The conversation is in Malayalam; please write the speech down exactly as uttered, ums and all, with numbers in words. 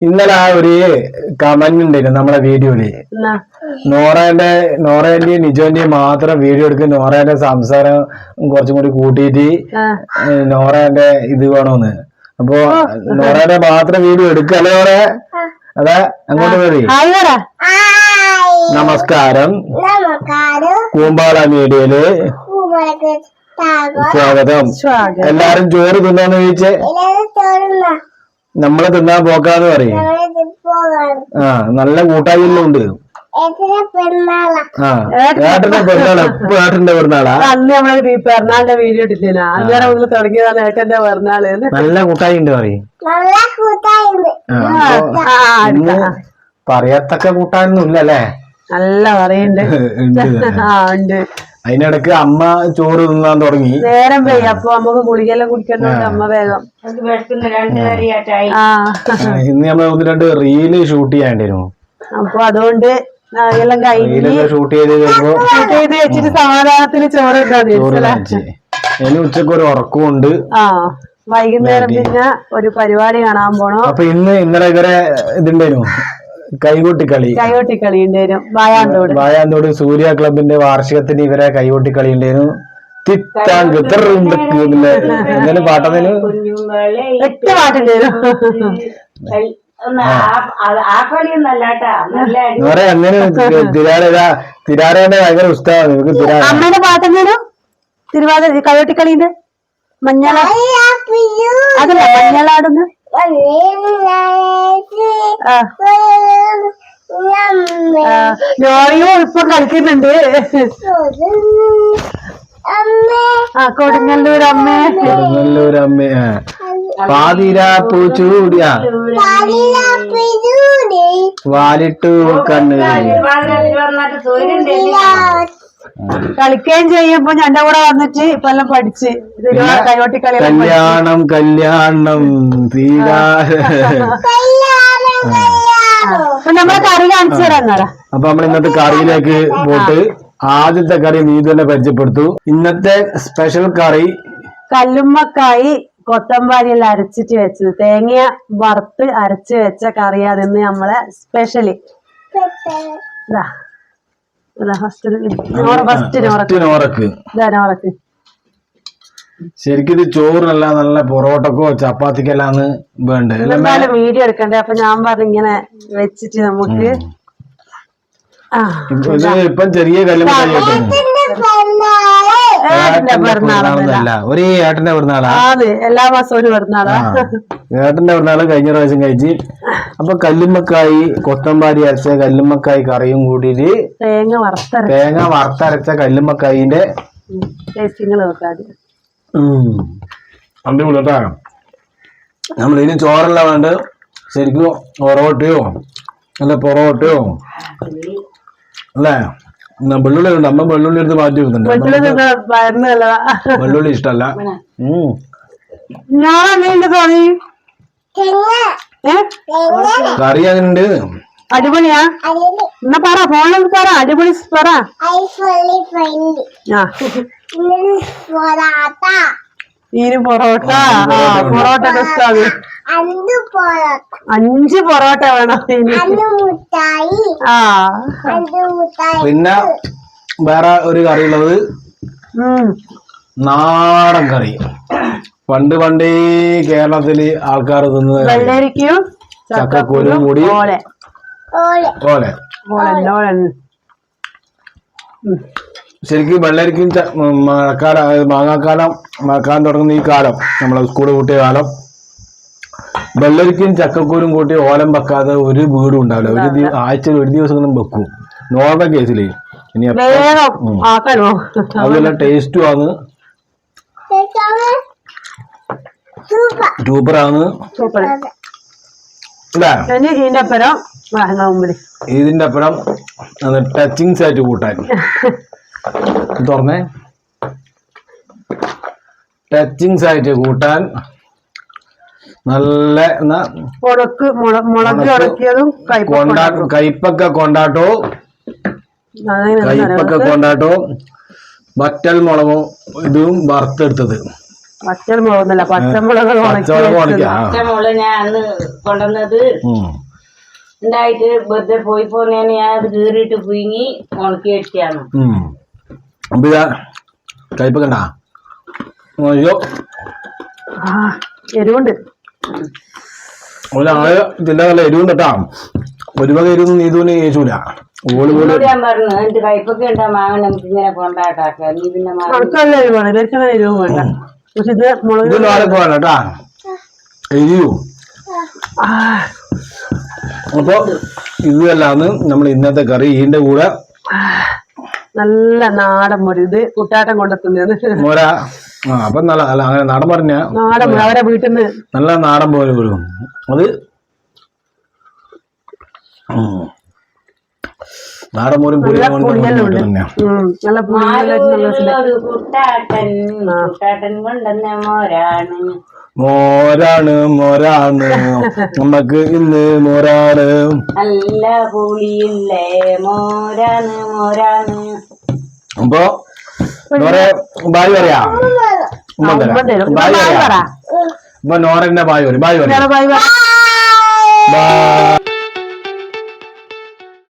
ഇന്നലെ ആ ഒരു കമന്റ് ഉണ്ടായിരുന്നു നമ്മളെ വീഡിയോയില്. നോറേന്റെ നോറേന്റെയും നിജോന്റെയും മാത്രം വീഡിയോ എടുക്കും, നോറേന്റെ സംസാരം കുറച്ചും കൂടി കൂട്ടിയിട്ട് നോറേന്റെ ഇത് വേണോന്ന്. അപ്പൊ നോറേന്റെ മാത്രം വീഡിയോ എടുക്കല്ലേ നോറേ? അതാ അങ്ങോട്ട് വരി. നമസ്കാരം, കൂമ്പാള മീഡിയയില് സ്വാഗതം. എല്ലാരും ചോറ് തിന്നാന്ന് ചോദിച്ചേ. നമ്മളെ തിന്നാൻ പോക്കാന്ന് പറയും. ആ നല്ല കൂട്ടായ്മ ഉണ്ട്. ആ ഏട്ടന്റെ പെരുന്നാളാ. ഇപ്പൊ ഏട്ടന്റെ പെരുന്നാളാ. അന്ന് നമ്മള് പെരുന്നാളിന്റെ വീഡിയോ ഇട്ടില്ല, അന്നേരം ഒന്ന് തുടങ്ങിയതാണ് ഏട്ടന്റെ പെരുന്നാള്. നല്ല കൂട്ടായി ഉണ്ട് പറയും. പറയത്തക്ക കൂട്ടാനൊന്നും ഇല്ലല്ലേ? നല്ല പറയുന്നുണ്ട്. അതിനിടക്ക് അമ്മ ചോറ് തിന്നാൻ തുടങ്ങി. നേരം പോയി. അപ്പൊ നമുക്ക് ഗുളികെല്ലാം കുടിക്കണ്ടോണ്ട് അമ്മ വേഗം. ഇന്ന് നമ്മൾ ഒന്ന് രണ്ട് റീല് ഷൂട്ട് ചെയ്യാണ്ടിരുന്നു. അപ്പൊ അതുകൊണ്ട് എല്ലാം കഴിഞ്ഞ് ഷൂട്ട് ചെയ്ത് ഷൂട്ട് ചെയ്ത് വെച്ചിട്ട് സമാധാനത്തിന് ചോറ് ഇനി ഉച്ചക്ക് ഒരു ഉറക്കമുണ്ട്. ആ വൈകുന്നേരം പിന്നെ ഒരു പരിപാടി കാണാൻ പോണം. അപ്പൊ ഇന്ന് ഇന്നലെ ഇവരെ ഇതുണ്ടായിരുന്നു, കൈകൊട്ടിക്കളി. കൈകൊട്ടിക്കളി ഉണ്ടായിരുന്നു വായാന്തോട്. വായാന്തോട് സൂര്യ ക്ലബിന്റെ വാർഷികത്തിന് ഇവരെ കൈകൊട്ടിക്കളി ഉണ്ടായിരുന്നു. തിത്താങ്ക് എന്തെങ്കിലും പാട്ടതിന് ഒറ്റ പാട്ടുണ്ടായിരുന്നു. അങ്ങനെ തിരാര തിരാരേന്റെ ഭയങ്കര ഉത്സാഹമാണ് നമുക്ക്. തിരാര അമ്മേന്റെ പാട്ടെന്തേലും തിരുവാതിര കൈകൊട്ടിക്കളീന്റെ മഞ്ഞള അതല്ല മഞ്ഞളാടുന്ന് നോറിയോ ഇപ്പൊ കളിക്കുന്നുണ്ട്. ആ കൊടുങ്ങല്ലൂർ അമ്മേ, കൊടുങ്ങല്ലൂർ അമ്മേ. പാതിരാപ്പൂ ചൂടിയ വാലിട്ടു കണ്ണ് കളിക്കുകയും ചെയ്യുമ്പോ ഞന്റെ കൂടെ വന്നിട്ട് ഇപ്പൊ എല്ലാം പഠിച്ച് കൈകൊട്ടിക്കളി. കല്യാണം കല്യാണം തീരാ. നമ്മളെ കറി കാണിച്ചു തരാം. അപ്പൊ നമ്മൾ ഇന്നത്തെ കറിയിലേക്ക് പോയിട്ട് ആദ്യത്തെ കറി നീ തന്നെ പരിചയപ്പെടുത്തു. ഇന്നത്തെ സ്പെഷ്യൽ കറി കല്ലുമ്മക്കായി കൊത്തമ്പാരിയെല്ലാം അരച്ചിട്ട് വെച്ചത്, തേങ്ങ വറുത്ത് അരച്ച് വെച്ച കറി. അതിന്ന് നമ്മളെ സ്പെഷ്യലി നോറക്ക്. ശരിക്കും ഇത് ചോറിനല്ല, നല്ല പൊറോട്ടക്കോ ചപ്പാത്തിക്കെല്ലാന്ന് വേണ്ട. എന്തായാലും വീഡിയോ എടുക്കണ്ടേ, അപ്പൊ ഞാൻ പറഞ്ഞു ഇങ്ങനെ വെച്ചിട്ട് നമുക്ക്. ഇപ്പം ചെറിയ കല്ലുമ്മക്കായി ഒരേ ഏട്ടന്റെ പിറന്നാളാ. എല്ലാ മാസവും ഒരു പിറന്നാളാ. ഏട്ടന്റെ പിറന്നാള് കഴിഞ്ഞ പ്രാവശ്യം കഴിച്ച്. അപ്പൊ കല്ലുമ്മക്കായി കൊത്തമ്പാരി അരച്ച കല്ലുമ്മക്കായി കറിയും കൂടിയിട്ട് തേങ്ങ വറുത്ത തേങ്ങ വറുത്തരച്ച കല്ലുമ്മക്കായിന്റെ അടിപൊളിട്ടാ. നമ്മളിനി ചോറല്ല വേണ്ട, ശരിക്കും പൊറോട്ടയോ അല്ല പൊറോട്ടയോ അല്ലേ? വെള്ളുള്ളി ഉണ്ട്. അമ്മ വെള്ളുള്ളി എടുത്ത് മാറ്റി വെക്കുന്നുണ്ട്. വെള്ളുള്ളി ഇഷ്ടല്ല. കറി അങ്ങനുണ്ട്. അടിപൊളിയാ. എന്നാ പറ, ഫോണിൽ പറ. അടിപൊളി പറ. ഈന് പൊറോട്ട. പൊറോട്ട ഇഷ്ടാണ്. അഞ്ച് പൊറോട്ട വേണം. ആ പിന്നെ വേറെ ഒരു കറി ഉള്ളത് നാടൻ കറി. പണ്ട് പണ്ടേ കേരളത്തില് ആൾക്കാർ തിന്നത് വെള്ളരിക്കും ചക്കക്കൂരും കൂടി ഓലെ. ശരിക്കും വെള്ളരിക്കും മഴക്കാലം, മാങ്ങാക്കാലം മഴക്കാലം തുടങ്ങുന്ന ഈ കാലം, നമ്മളെ സ്കൂള് കൂട്ടിയ കാലം, വെള്ളരിക്കും ചക്കക്കൂരും കൂട്ടി ഓലം വെക്കാതെ ഒരു വീടും ഉണ്ടാവില്ല. ഒരു ആഴ്ചയിൽ ഒരു ദിവസം വെക്കും നോർമൽ കേസില്. ഇനി അതുപോലെ ടേസ്റ്റും ആണ്, സൂപ്പറാണ്. ഇതിന്റെ അപ്പുറം ടച്ചിങ്സ് ആയിട്ട് കൂട്ടാൻ തുറന്നേ ടച്ചിങ്സ് ആയിട്ട് കൂട്ടാൻ നല്ല കയ്പക്ക കൊണ്ടാട്ടോ കയ്പക്ക കൊണ്ടാട്ടോ വറ്റൽ മുളകും ഇതും വറുത്തെടുത്തത് പച്ചമുളകൊന്നല്ല പച്ചമുളക് പച്ചമുളക് ഉണക്കിയാ പച്ചമുളക് ഞാൻ അന്ന് കൊണ്ടുവന്നത് ഉണ്ടായിട്ട് വെറുതെ പോയി പോന്നേന് ഞാൻ അത് കീറിയിട്ട് പുഴുങ്ങി ഉണക്കി വെച്ചാണ്. അപ്പൊ ഇതാ കയ്പക്കണ്ട അയ്യോ എരിവുണ്ട് ഒരാള് ഇതിന്റെ നല്ല എരിവുണ്ട് കേട്ടാ. ഒരു വക എരിവൊന്നും നീതുവിന് ചേച്ചൂല. ഓള് പോലും ഞാൻ പറഞ്ഞു എനിക്ക് കയ്പൊക്കെ ഉണ്ടാ മാങ്ങ നമുക്ക് ഇങ്ങനെ കൊണ്ടാട്ടാക്ക നീ പിന്നെ അവർക്കല്ല എരിവാണ് ഇവർക്കല്ല എരിവും വേണ്ട. പക്ഷെ ഇത് മുളക് ഇത് നാളെ പോകാൻ കേട്ടാ എരിവു. അപ്പൊ ഇതല്ലാന്ന് നമ്മൾ ഇന്നത്തെ കറി. ഇതിന്റെ കൂടെ നല്ല നാടൻ മുറി. ഇത് കുട്ടാട്ടം കൊണ്ടെത്തുന്നത് മോര. ആ അപ്പൊ നല്ല അല്ല അങ്ങനെ നാടൻ പറഞ്ഞ നാടൻ മുറി അവരെ വീട്ടിൽ നിന്ന് നല്ല നാടൻ പോലെ വരും അത്. നാടൻ മോരും നല്ല പുളിയെല്ലാം തന്നെയാ. നല്ല പുളിയെല്ലാം കുട്ടാട്ടൻ കുട്ടാട്ടൻ കൊണ്ടുവന്ന മോരാണ് മോരാണ് മോരാണ് നമ്മക്ക് ഇന്ന് മോരാണ് നല്ല പുളിയില്ലേ മോരാണ് മോരാണ്. അപ്പൊ നോറെ ബായ് പറയാ ഉമ്മ തരാം. ബായ് പറയാ. അപ്പൊ നോറന്റെ ബായ് പറയും. ബായ് പറയാ. Bye bye bye.